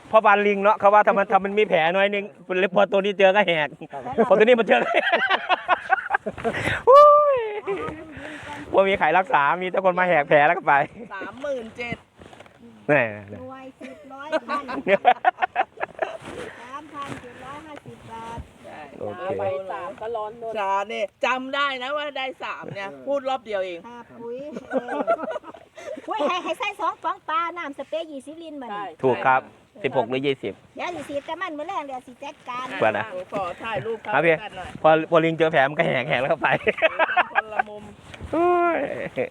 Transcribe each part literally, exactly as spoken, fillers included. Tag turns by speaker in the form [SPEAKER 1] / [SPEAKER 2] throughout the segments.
[SPEAKER 1] เพราะบานลิงเนาะเขาว่าทำมันทำมันมีแผลน้อยนึงพอตัวนี้เจอก็แหกพอตัวนี้มันเจอว่ามีใครรักษามีแต่คนมาแหกแผลแล้วก็ไป
[SPEAKER 2] สามหมื่นเจ็ด
[SPEAKER 1] นี่
[SPEAKER 3] รวยสิบร้อยพันสามพันเจ็ดร้อยห้าสิบบาท
[SPEAKER 1] โอเค
[SPEAKER 2] ไปสามก็ร้อนโดนชาเนี่ยจำได้นะว่าได้สามเนี่ยพูดรอบเดียวเอง
[SPEAKER 3] ค่าปุ๋ยเออปุ๋ยให้ให้ใส่สองฟองปลาน้ำสเปรย์ยี่สิบลิตรมานี่
[SPEAKER 1] ถูกครับสิบหกหรือยี่สิบ
[SPEAKER 3] เดี๋ยวสิสีแต่มันเมื่อแรงเดี๋ยวสิจัดการ
[SPEAKER 1] เปิดนะ
[SPEAKER 2] ขอถ่ายรูป
[SPEAKER 1] ครับพี่
[SPEAKER 2] กันหน่อย
[SPEAKER 1] พอพอลิงเจอแผลมันก็แหกแหกแล้วก็ไป
[SPEAKER 2] คนละมุม
[SPEAKER 1] โอ้ย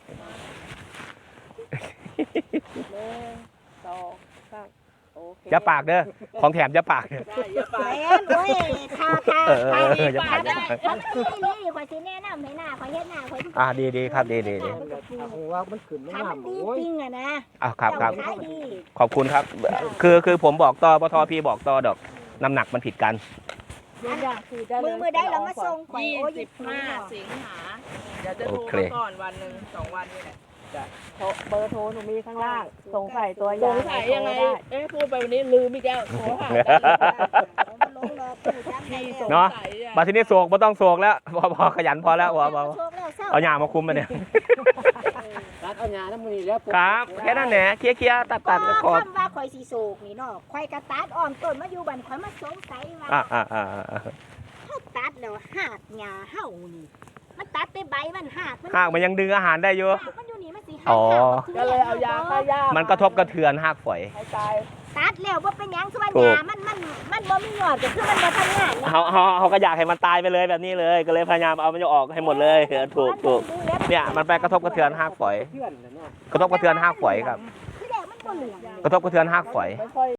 [SPEAKER 2] หนึ่งสองสามโอเค
[SPEAKER 1] อย่าปากเด้อของแถมอย่าปาก
[SPEAKER 2] ได้อย่าไป
[SPEAKER 3] แม่นโอ้ยค่าค่า
[SPEAKER 1] เออเอ
[SPEAKER 3] ค่า
[SPEAKER 1] อเอออย่าปากอย่าปาก
[SPEAKER 3] เขาไม่นี่ข่อยสิแนะนำให้หน้าข่อยเฮ็ดหน้าข่อย
[SPEAKER 1] อ่าดีดีครับดีดีดี
[SPEAKER 4] ว่ามันขึ้นไม่
[SPEAKER 3] ถ้ามั
[SPEAKER 4] งาน ม
[SPEAKER 3] ดี
[SPEAKER 4] โอ้ย
[SPEAKER 3] จริงอะนะ
[SPEAKER 1] อ่าครับครับ
[SPEAKER 3] เจ้าขายดี
[SPEAKER 1] ขอบคุณครับ คือคือผมบอกต่อปทพี่บอกต่อดอกน้ำหนักมันผิดกัน
[SPEAKER 3] มือมือได้เรามาส่งข่อย
[SPEAKER 2] ยี่
[SPEAKER 3] โอ้ย
[SPEAKER 2] สิบห้าสิงหาเดี๋ยวจะโทร
[SPEAKER 1] โอเค
[SPEAKER 2] มาก่อนวันหนึ่งสองวันนี่แหละ
[SPEAKER 5] เบอร์โทรหนูมีข้างล่าง สงสัยตัว
[SPEAKER 2] ส
[SPEAKER 5] อย่าง
[SPEAKER 2] งสัยยังไง
[SPEAKER 5] โทรด้
[SPEAKER 2] เอ๊ะพูดไปวันนี้ลืมอีกแล้วโทรหากัน
[SPEAKER 3] มันลงรอปู่จำได้
[SPEAKER 2] ที่ส
[SPEAKER 3] แล้ว
[SPEAKER 2] ง
[SPEAKER 1] เนาะ
[SPEAKER 2] สัยอะ
[SPEAKER 1] มาที่นี่โศกไม่ต้องโศกแล้วพอพอขยันพอแล้วพอพอ
[SPEAKER 3] โชคแล้วเศร้า
[SPEAKER 1] เอาหยามาคุมมาเนี่ย
[SPEAKER 4] รัดเอาหญ้าน้ำมือนี่แล้ว
[SPEAKER 1] ครับแค่นั้นแหละเคลียร์เคลียร์ตัดตัดก็ขอบ
[SPEAKER 3] คำว่าข่อยสิโศกนี่เนาะข่อยกระตัดอ้อมต้นมาอยู่บันข่อยมาสงสัยว่า
[SPEAKER 1] อ่าอ่าอ่าอ่า
[SPEAKER 3] เฮาตัดแล้วหากหญ้าเฮานี่มันตัดแต่ใบมันหากมัน
[SPEAKER 1] หากมันยังดึงอาหารได้อยู่
[SPEAKER 3] หากมันอยู่นี่มันสิหา
[SPEAKER 1] อ๋อ
[SPEAKER 2] ก็เลยเอายาฆ่าหญ้า
[SPEAKER 1] มันกระทบกระเทือนหากฝอย
[SPEAKER 2] ให้ตาย
[SPEAKER 3] ตัดแล้วบ่เป็นหยังคือว่า
[SPEAKER 1] ถู
[SPEAKER 3] ห
[SPEAKER 1] ก
[SPEAKER 3] ญ้ามันมันมันบ่มียอดก็คือมันบ่ทำงาน
[SPEAKER 1] เขาเขาเขาก็อยากให้มันตายไปเลยแบบนี้เลย ก็เลยพยายามเอามันจะออกให้หมดเลยเออถูกถูกเนี่ยมันไปกระทบกระเทือนหากฝอย
[SPEAKER 4] เพื่อนน่ะเนาะ
[SPEAKER 1] กระทบกระเทือนหากฝอยครับ
[SPEAKER 3] คือแดงมันบ่เหลือง
[SPEAKER 1] กระทบกระเทือนหากฝอย
[SPEAKER 2] ไม่ค่อย